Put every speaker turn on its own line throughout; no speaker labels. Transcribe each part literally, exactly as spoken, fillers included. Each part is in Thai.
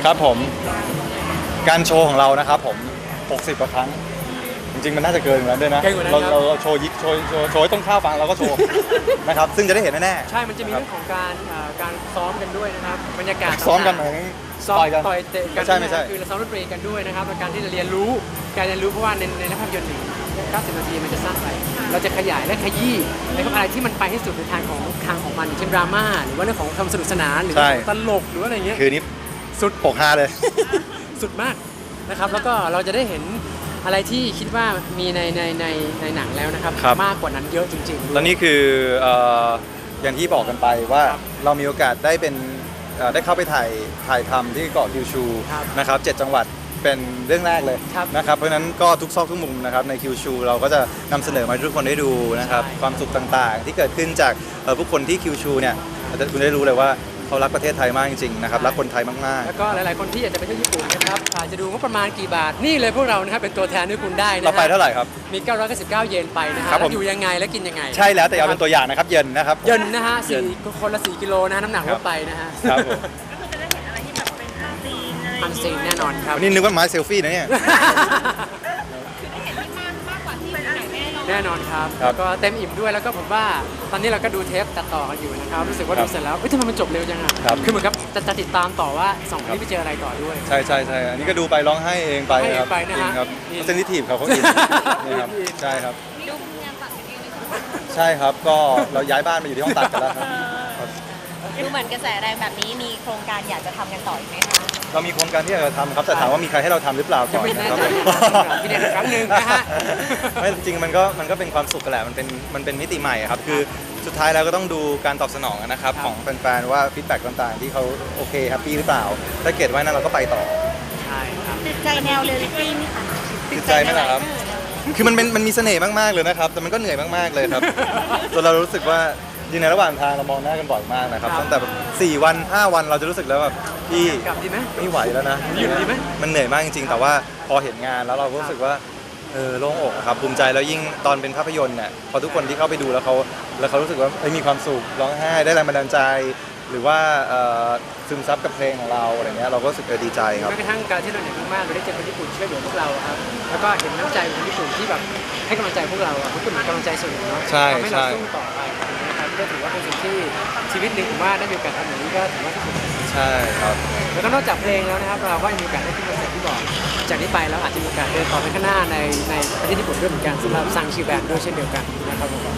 ครับผมการโชว์ของเรานะครับผมหกสิบกว่าครั้งจริงๆมันน่าจะเกินกว่านั้นด้วยนะเราเราโชว์ยิกโชว์โชว์โชว์ให้ต้นข้าวฟังเราก็โชว์นะครับซึ่งจะได้เห็นแน่ๆ
ใช่มันจะมีเรื่องของการการซ้อมกันด้วยนะครับบรรยากาศ
ซ้อมกันเหมือน
ซ้อมต่อยเตะกัน
ใช่ไม่ใช่
คือเราซ้อมดนตรีกันด้วยนะครับในการที่จะเรียนรู้การเรียนรู้เพราะว่าในในภาพยนตร์หนึ่งเก้าสิบนาทีมันจะสั้นไปเราจะขยายและขยี้ในอะไรที่มันไปให้สุดในทางของทางของมันเช่นดราม่าหรือว่าเรื่องของความสนุกสนานหรือตลกหรืออะไรเงี้ย
คือนี้สุดปกฮาเลย
สุดมากนะครับแล้วก็เราจะได้เห็นอะไรที่คิดว่ามีในในในในหนังแล้วนะครับมากกว่านั้นเยอะจริง
ๆตอนนี้คืออย่างที่บอกกันไปว่าเรามีโอกาสได้เป็นได้เข้าไปถ่ายถ่ายทำที่เกาะคิวชูนะครับเจ็ดจังหวัดเป็นเรื่องแรกเลยนะครับเพราะฉะนั้นก็ทุกซอกทุกมุมนะครับในคิวชูเราก็จะนำเสนอมาให้ทุกคนได้ดูนะครับความสุขต่างๆที่เกิดขึ้นจากผู้คนที่คิวชูเนี่ยคุณได้รู้เลยว่าเขารักประเทศไทยมากจริงๆนะครับรักคนไทยมากๆ
แล้วก็หลายๆคนที่อยากจะไปเที่ยวญี่ปุ่นนะครับอาจจะดูว่าประมาณกี่บาทนี่เลยพวกเรานะครับเป็นตัวแทนให้คุณได้นะ
เราไปเท่าไหร่ครับ
มีเก้าร้อยเก้าสิบเก้าเยนไปนะฮะแล้วอยู่ยังไงและกินยังไง
ใช่แล้วแต่เอาเป็นตัวอย่างนะครับเย็นนะครับ
เย็นนะฮะสี่คนละสี่กิโลนะน้ำหนักลดไปนะฮะ
ครับผม
ก็คือจะได้เห็นอะไรที่แบบเป็นอันซีนอะไร
อันซีนแน่นอนครับ
นี่นึกว่าไม้เซลฟี่นะเนี่ย
คือได้เห็นที่มากมากกว่าที่เป็นไหน
แน่นอนครับก็เต็มอิ่มด้วยแล้วก็ผมว่าตอนนี้เราก็ดูเทปตัดต่อกันอยู่นะครับรู้สึกว่าดูเสร็จแล้วเฮ้ยทำไมมันจบเร็วจังอ่ะคือเหมือนกับจะจะติดตามต่อว่าสองคนนี้ไปเจออะไรต่อด้วย
ใช่ใช่ใช่อันนี้ก็ดูไปร้องไห้เองไปครับ
ไปนะฮะ
ครับเซนซิทีฟครับเขาอินนี่ครับใช่ครับ
ดูงานตัดกันเองเลย
ใช่ครับก็เราย้ายบ้านมาอยู่ที่ห้องตัดกันแล้วครับ
ดูเหมือนกระแสแรงแบบนี้มีโครงการอยากจะทำกันต่ออีกไหมคะ
เรามีโครงการที่อยากจะทำครับแต่ถามว่ามีใครให้เราทำหรือเปล่าก่อน
นะครับพี่เด็กครั้งหนึ่งนะฮะ
ไม่จริงๆมันก็มันก็เป็นความสุขกันแหละมันเป็นมันเป็นมิติใหม่ครับคือสุดท้ายแล้วก็ต้องดูการตอบสนองนะครับของแฟนๆว่าฟีดแบ็กต่างๆที่เขาโอเคแฮปปี้หรือเปล่าถ้าเกิดว่านั้นเราก็ไปต่อ
ใช่ครับ
ติดใจแนวเรียลลิตี้ไหมคะ
ติดใจไหมล่ะครับคือมันเป็นมันมีเสน่ห์มากๆเลยนะครับแต่มันก็เหนื่อยมากๆเลยครับจนเรารู้สึกว่าอยู่ในระหว่างทางเรามองหน้ากันบ่อยมากนะครับตั้งแต่แบบสี่วันห้าวันเราจะรู้สึกแล้วแบบพี่
กลับดีไหม
ไม่ไหวแล้วนะ
หยุดดีไหม
มันเหนื่อยมากจริงๆแต่ว่าพอเห็นงานแล้วเรารู้สึกว่าเออโล่งอกครับภูมิใจแล้วยิ่งตอนเป็นภาพยนตร์เนี่ยพอทุกคนที่เข้าไปดูแล้วเขาแล้วเขารู้สึกว่ามีความสุขร้องไห้ได้แรงบันดาลใจหรือว่าซึมซับกับเพลงของเราอะไรเงี้ยเราก็รู้สึกดีใจครับ
แม้กระทั่งการที่เราเหนื่อยมากๆเราได้เจอคนญี่ปุ่นช่วยเหลือพวกเราครับแล้วก็เห็นน้ำใจของญี่ปุ่นที่แบบให้กำลังใจพวกเราพวกคุณมีกำลังใจส่วนหนึ่งเนาะทำให้เราสู้ต่อไปนะครับก็ถือว่าเป็นสิ่งที่ชีวิตหนึ่งผมว่าได้มีโอกาสทำอย่างนี้ก็ถือว่าที่สุด
ใช่ครับ
แล้วก็นอกจากเพลงแล้วนะครับเราก็มีโอกาสได้ขึ้นคอนเสิร์ตที่บอกจากนี้ไปแล้วอาจจะมีโอกาสเดินต่อไปข้างหน้าในในประเทศญี่ปุ่นด้วยเหมือนกันสำหรับซังชิวแบนด์ด้วยเช่นเดียวกันนะครับผม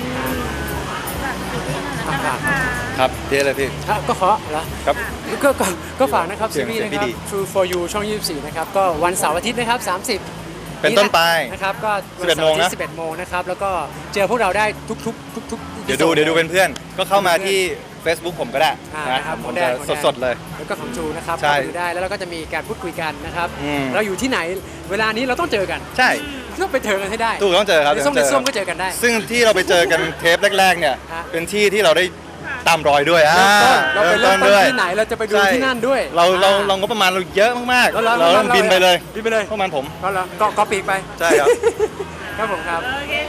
ครับเจ๊เลยพี่
ก็ขอเหรอ
ครับ
ก็ก็ก็ฝากนะครับซีรีส์นะครับ True for You ช่องยี่สิบสี่นะครับก็วันเสาร์อาทิตย์นะครับสามสิบ
เป็นต้นไป
นะครับก็วันเสาร์อาทิตย์สิบเอ็ดโมงนะครับแล้วก็เจอพวกเราได้ทุกทุกทุกทุก
เดี๋ยวดูเดี๋ยวดูเป็นเพื่อนก็เข้ามาที่ Facebook ผมก็ได้
นะครับ
ผมจะสดๆเลย
แล้วก็ของจูนะครับเข้าไปดูได้แล้วเราก็จะมีการพูดคุยกันนะครับเราอยู่ที่ไหนเวลานี้เราต้องเจอกัน
ใช่
ต้องไปเจอกันให้ได้
ถูกต้องเจอครับ
ในส้มในส้มก็เจอกันได้
ซึ่งที่เราไปเจอกันเทปแรกๆเนี่ยเป็นที่ที่เราได้ตามรอยด้วยอ่า
เราไปเริ่มต้นที่ไหนเราจะไปดูที่นั่นด้วย
เราเราเราก็ประมาณเราเยอะมากๆเราบินไปเลย
บินไปเลย
ประมาณผม
ก็ก็ปีกไป
ใช่ครับ
ครับผมครับ
โอเค